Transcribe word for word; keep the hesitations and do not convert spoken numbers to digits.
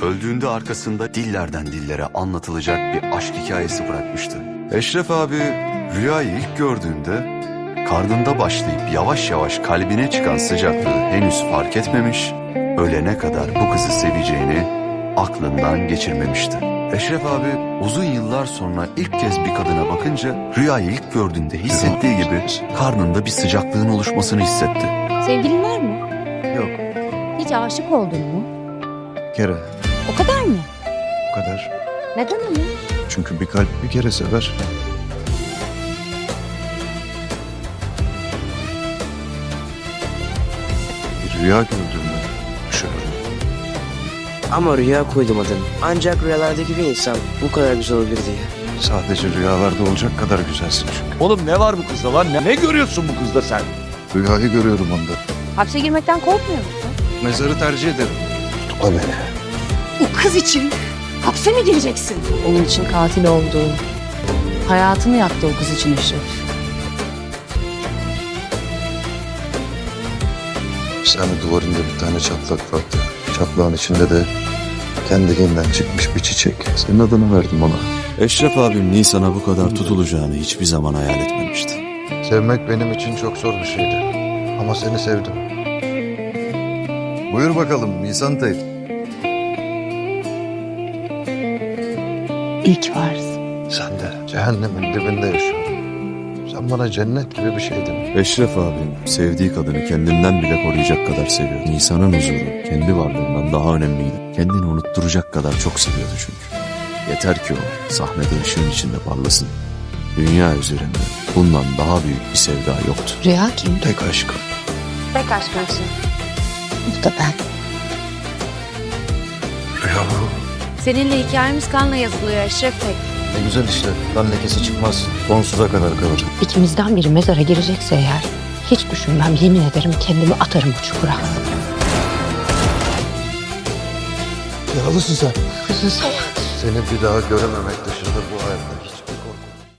öldüğünde arkasında dillerden dillere anlatılacak bir aşk hikayesi bırakmıştı. Eşref abi rüyayı ilk gördüğünde karnında başlayıp yavaş yavaş kalbine çıkan sıcaklığı henüz fark etmemiş, ölene kadar bu kızı seveceğini aklından geçirmemişti. Eşref abi uzun yıllar sonra ilk kez bir kadına bakınca rüyayı ilk gördüğünde hissettiği gibi karnında bir sıcaklığın oluşmasını hissetti. Sevgilin var mı? Yok, Hiç aşık oldun mu? bir kere. O kadar mı? O kadar. Neden ama? Çünkü bir kalp bir kere sever. Bir rüya gördüğümde düşünürüm. Ama rüya koydum adını. Ancak rüyalardaki bir insan bu kadar güzel olabilir diye. Sadece rüyalarda olacak kadar güzelsin çünkü. Oğlum ne var bu kızda lan? Ne, ne görüyorsun bu kızda sen? Rüyayı görüyorum onda. Hapse girmekten korkmuyor musun? Mezarı tercih ederim. Tutukla beni. O kız için hapse mi gireceksin? Onun için katil oldu. Hayatını yaktı o kız için Eşref. Sen duvarında bir tane çatlak vardı. Çatlağın içinde de kendiliğinden çıkmış bir çiçek. Senin adını verdim ona. Eşref abim Nisan'a bu kadar tutulacağını hiçbir zaman hayal etmemişti. Sevmek benim için çok zor bir şeydi. Ama seni sevdim. Buyur bakalım Nisan teyze. İyi ki varsın. Sen de cehennemin dibinde yaşıyorsun. Sen bana cennet gibi bir şeydin. Eşref abim sevdiği kadını kendinden bile koruyacak kadar seviyordu. Nisan'ın huzuru kendi varlığından daha önemliydi. Kendini unutturacak kadar çok seviyordu çünkü. Yeter ki o sahnede ışığın içinde parlasın. Dünya üzerinde bundan daha büyük bir sevda yoktu. Rüya kim? Tek aşkım. Tek aşkımsın. Bu da ben. Rüya bu. Seninle hikayemiz kanla yazılıyor Eşref Bey. Ne güzel işte. Kan lekesi çıkmaz. Sonsuza kadar kalır. İkimizden biri mezara girecekse eğer hiç düşünmem, yemin ederim kendimi atarım o çukura. Yaralısın sen. Seni bir daha görememek dışında bu hayatta hiç